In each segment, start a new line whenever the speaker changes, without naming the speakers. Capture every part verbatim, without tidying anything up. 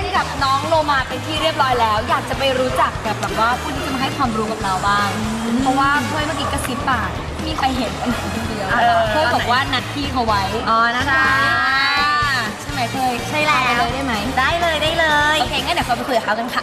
กับน้องโลมาเป็นที่เรียบร้อยแล้ว อยากจะไปรู้จักกับแบบว่าผู้ที่จะมาให้ความรู้กับเราบ้าง เพราะว่าเพื่อนเมื่อกี้กระซิบปากมีใครเห็นกันคนเดียวเพื่อนบอกว่านัดพี่เขาไว้อ๋อนะคะใช่ไหมเคยใช่แล้วเลยได้ไหมได้เลยได้เลยโอเคงั้นเดี๋ยวเราไปคุยกับเขากันค่ะ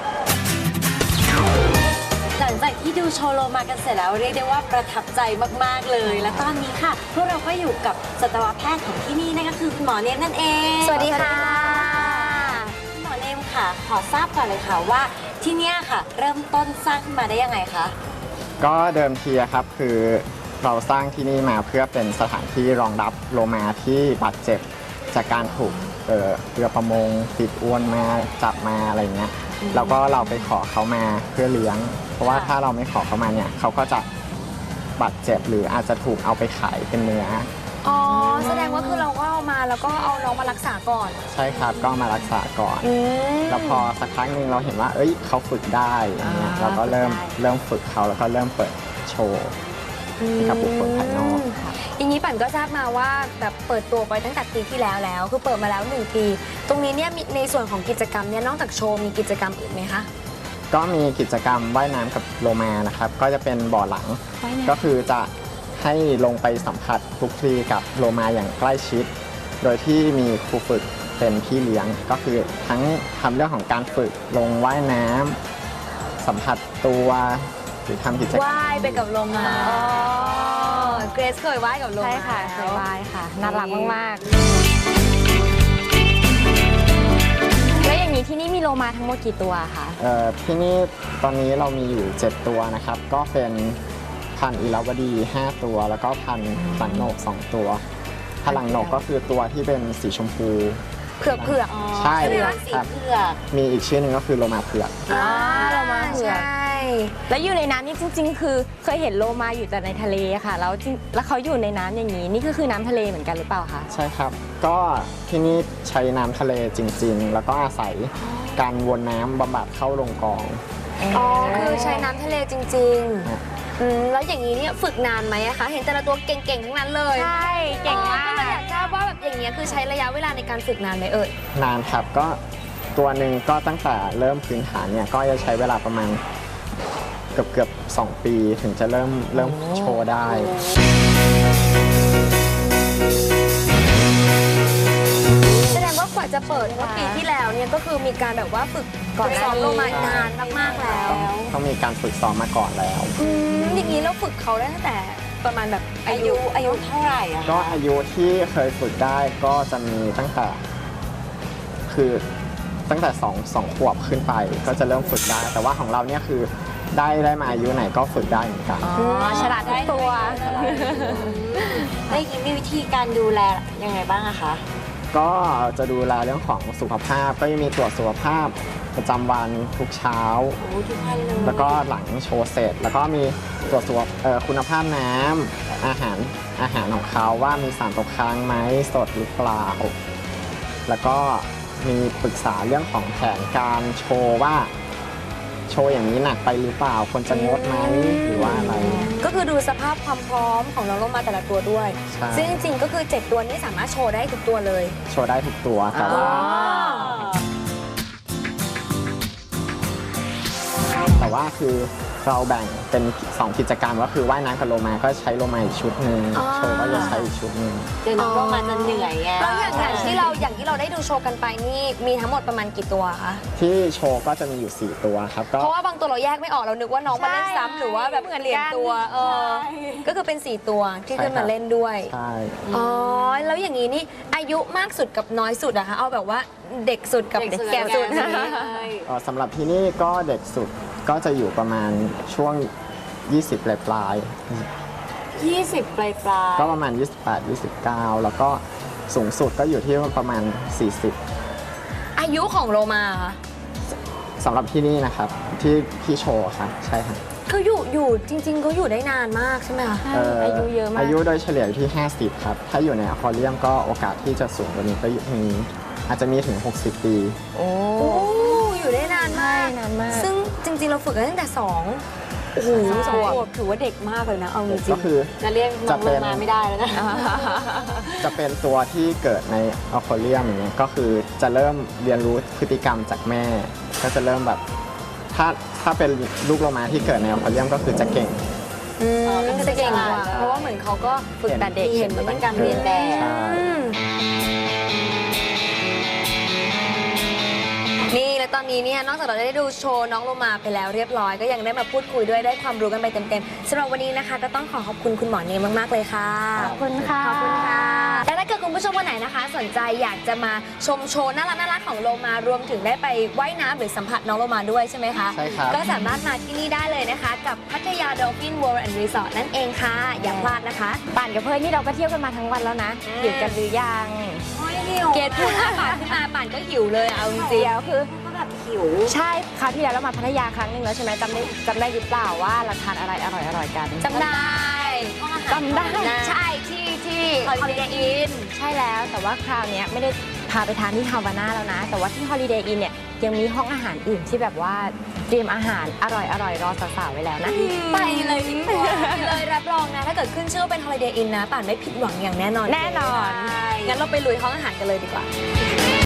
หลังจากที่ดูโชว์โลมากันเสร็จแล้วเรียกได้ว่าประทับใจมากๆเลย และตอนนี้ค่ะพวกเราก็อยู่กับสัตวแพทย์ของที่นี่นั่นก็คือคุณหมอเนมนั่นเอง
สวัสดีค่ะ
คุณหมอเนมค่ะขอทราบก่อนเลยค่ะว่าที่นี่ค่ะเริ่มต้นสร้างขึ้นมาได้ยังไงคะ
ก็เดิมทีครับคือเราสร้างที่นี่มาเพื่อเป็นสถานที่รองรับโลมาที่บาดเจ็บจากการถูกเรือประมงติดอวนมาจับมาอะไรเงี้ยแล้วก็เราไปขอเขามาเพื่อเลี้ยงเพราะว่าถ้าเราไม่ขอเขามาเนี่ยเขาก็จะบาดเจ็บหรืออาจจะถูกเอาไปขายเป็นเนื้อ
อ๋อแสดงว่าคือเราก็เอามาแล้วก็เอาน้องมารักษาก่อน
ใช่ครับก็มารักษาก่อนแล้วพอสักพักหนึ่งเราเห็นว่าเอ้ยเขาฝึกได้อย่างเงี้ยเราก็เริ่มเริ่มฝึกเขาแล้วก็เริ่มเปิดโชว์ให้กับบุคคลภายนอก
อย่างนี้ปั่นก็ทราบมาว่าแบบเปิดตัวไปตั้งแต่ปีที่แล้วแล้วคือเปิดมาแล้วหนึ่งปีตรงนี้เนี่ยในส่วนของกิจกรรมเนี่ยนอกจากโชว์มีกิจกรรมอื่นไหมคะ
ก็มีกิจกรรมว่ายน้ำกับโลมานะครับก็จะเป็นบ่อหลังก็คือจะให้ลงไปสัมผัสคลุกคลีกับโลมาอย่างใกล้ชิดโดยที่มีครูฝึกเป็นพี่เลี้ยงก็คือทั้งทำเรื่องของการฝึกลงว่ายน้ำสัมผัสตัวหรือทำกิจกรรม
ว่ายไปกับโลมาเกรซเคยว่ายกับโลมา
ใช่ค่ะเคยว่ายค่ะน่ารักมากๆแล้วอย่างนี้ที่นี่มีโลมาทั้งหมดกี่ตัวคะ
เอ่อที่นี่ตอนนี้เรามีอยู่เจ็ดตัวนะครับก็เป็นพันธุ์อิราวดีห้าตัวแล้วก็พันธุ์หลังโหนกสองตัวพันธุ์หลังโหนกก็คือตัวที่เป็นสีชมพู
เผือกเผือก
ใช่
ครับ
มีอีกชื่อหนึ่งก็คือโลมาเผือก
อ๋อโลมาเผือกแล้วอยู่ในน้ำนี่จริงๆคือเคยเห็นโลมาอยู่แต่ในทะเลค่ะแล้วแล้วเขาอยู่ในน้ำอย่างนี้นี่ก็คือน้ำทะเลเหมือนกันหรือเปล่าคะ
ใช่ครับก็ที่นี่ใช้น้ำทะเลจริงๆแล้วก็อาศัยการวนน้ำบำบัดเข้าลงกอง
อ๋อคือใช้น้ำทะเลจริงๆอืมแล้วอย่างนี้เนี่ยฝึกนานไหมคะเห็นแต่ละตัวเก่งๆทั้งนั้นเลย
ใช่เก่งมาก
ก็เลยอยากทราบว่าแบบอย่างเงี้ยคือใช้ระยะเวลาในการฝึกนานไหมเอ่ย
นานครับก็ตัวหนึ่งก็ตั้งแต่เริ่มพื้นฐานเนี่ยก็จะใช้เวลาประมาณเกือบเกือบสองปีถึงจะเริ่มเริ่มโชว์ได้
แสดงว่ากว่าจะเปิดเมื่อปีที่แล้วเนี่ยก็คือมีการแบบว่าฝึกก่อนซ้อมโลมานานมากๆแล้ว
ต้องมีการฝึกซ้อมมาก่อนแล้ว
อย่างนี้เราฝึกเขาได้ตั้งแต่ประมาณแบบ
อายุอายุเท่าไหร่อะ
ก็อายุที่เคยฝึกได้ก็จะมีตั้งแต่คือตั้งแต่สองสองขวบขึ้นไปก็จะเริ่มฝึกได้แต่ว่าของเราเนี่ยคือได้ได้มาอายุไหนก็ฝึกได้เหมือนกัน
อ๋อฉลาดทุกตัว
ได้ยินมีวิธีการดูแลยังไงบ้างอะคะ
ก็จะดูแลเรื่องของสุขภาพก็จะมีตรวจสุขภาพประจำวันทุกเช้าแล้วก็หลังโชว์เสร็จแล้วก็มีตรวจสุขคุณภาพน้ำอาหารอาหารของเขาว่ามีสารตกค้างไหมสดหรือเปล่าแล้วก็มีปรึกษาเรื่องของแผนการโชว์ว่าโชว์อย่างนี้หนักไปหรือเปล่าควรจะงดไหมหรือว่าอะไร
ก็คือดูสภาพความพร้อมของน้องโลมาแต่ละตัวด้วยซึ่งจริงๆก็คือเจ็ดตัวนี้สามารถโชว์ได้ทุกตัวเลย
โชว์ได้ทุกตัวแต่ว่าแต่ว่าคือเราแบ่งเป็นสองกิจกรรมก็คือว่ายน้ำกับโลมาก็ใช้โลมาอีกชุดหนึ่งโชว์ก็จะใช้อีกชุดหนึ่ง
เดี๋ยวน้องโลมาจะเหนื่อยไง
แล้วอย่างที่เราอย่างที่เราได้ดูโชว์กันไปนี่มีทั้งหมดประมาณกี่ตัวคะ
ที่โชว์ก็จะมีอยู่สี่ตัวครับ
เพราะว่าบางตัวเราแยกไม่ออกเรานึกว่าน้องมาเล่นซ้ำหรือว่าแบบเปลี่ยนตัวเออก็คือเป็นสี่ตัวที่ขึ้นมาเล่นด้วย
ใช่
อ๋อแล้วอย่างนี้นี่อายุมากสุดกับน้อยสุดอะคะเอาแบบว่าเด็กสุดกับเด็กแก่สุด
สำหรับที่นี่ก็เด็กสุดก็จะอยู่ประมาณช่วงยี่สิบปลายปลาย
ยี่สิบปลายปลาย
ก็ประมาณยี่สิบแปด ยี่สิบเก้าแล้วก็สูงสุดก็อยู่ที่ประมาณสี่สิบ
อายุของโลมา
สำหรับที่นี่นะครับที่ที่โชว์ครับใช่ครับ
คืออยู่อยู่จริงๆเขาอยู่ได้นานมากใช่ไหมคะ
อายุเยอะมาก
อายุโดยเฉลี่ยอยู่ที่ห้าสิบครับถ้าอยู่ในอควาเรียมก็โอกาสที่จะสูงกว่านี้ก็มีอาจจะมีถึงหกสิบปี
โอ้อยู่ได้นานมาก
นานมาก
ซึ่งจริงๆเราฝึกกันตั้งแต่สอง
โอ้โหสองขวบถือว่าเด็กมากเลยนะเอาจริง
ก็คือ
จะเรียกน้
จะ
อง
เป็
ล
น
งมาไม่ได้แล้วนะ
จะเป็นตัวที่เกิดในอควาเรียมอย่างเงี้ยก็คือจะเริ่มเรียนรู้พฤติกรรมจากแม่ ก็จะเริ่มแบบถ้าถ้าเป็นลูกโลมาที่เกิดในอควาเรียมก็คือจะเก่ง
อืม
อ๋อก็จะเก่งกว่า
เพราะว่าเหมือนเขาก็ฝึกแต่เด็ก
เห็
เห็น
น
เหมือนการเรียนแบบ
ใช่
นี่และตอนนี้เนี่ยนอกจากเราได้ดูโชว์น้องโลมาไปแล้วเรียบร้อยก็ยังได้มาพูดคุยด้วยได้ความรู้กันไปเต็มๆสำหรับวันนี้นะคะ ก็ต้องขอขอบคุณคุณหมอเนมมากๆเลยค่ะ
ขอบคุณค่ะ
ขอบคุณค่ะและถ้าเกิดคุณผู้ชมคนไหนนะคะ สนใจอยากจะมาชมโชว์น่ารักน่ารักของโลมารวมถึงได้ไปว่ายน้ำหรือสัมผัสน้องโลมาด้วยใช่ไหมคะ
ใช่ครับ
ก็สามารถมาที่นี่ได้เลยนะคะ กับพัทยา Dolphin World and Resort นั่นเองค่ะ อย่าพลาดนะคะ
ป่านกับเพื่อนนี่เราก็เที่ยวกันมาทั้งวันแล้วนะ
อ่า
หิวกันหรือยัง
เกดพูดอาป่านขึ้นมาป่านก็หิวเลยอะเอาจริง
เดี๋ยวคือ
ก็แบบหิว
ใช่คราวที่แล้วเรามาพัทยาครั้งหนึ่งแล้วใช่ไหมจำได้จำได้หรือเปล่าว่าเราทานอะไรอร่อยอร่อยๆกัน
ๆจำได้
จำได้
ใช่ที่ที่
Holiday Inn ใช่แล้วแต่ว่าคราวเนี้ยไม่ได้พาไปทานที่ฮาวาน่าแล้วนะ แต่ว่าที่ Holiday Inn เนี่ยยังมีห้องอาหารอื่นที่แบบว่าเตรียมอาหารอร่อยอร่อยๆรอสาวๆไว้แล้วนะ
ไปเลยดีกว่าไปเลยรับรองนะ ถ้าเกิดขึ้นชื่อว่าเป็น Holiday Inn นะป่านไม่ผิดหวังอย่างแน่นอน
แน่นอน
ใช่งั้นเราไปลุยห้องอาหารกันเลยดีกว่า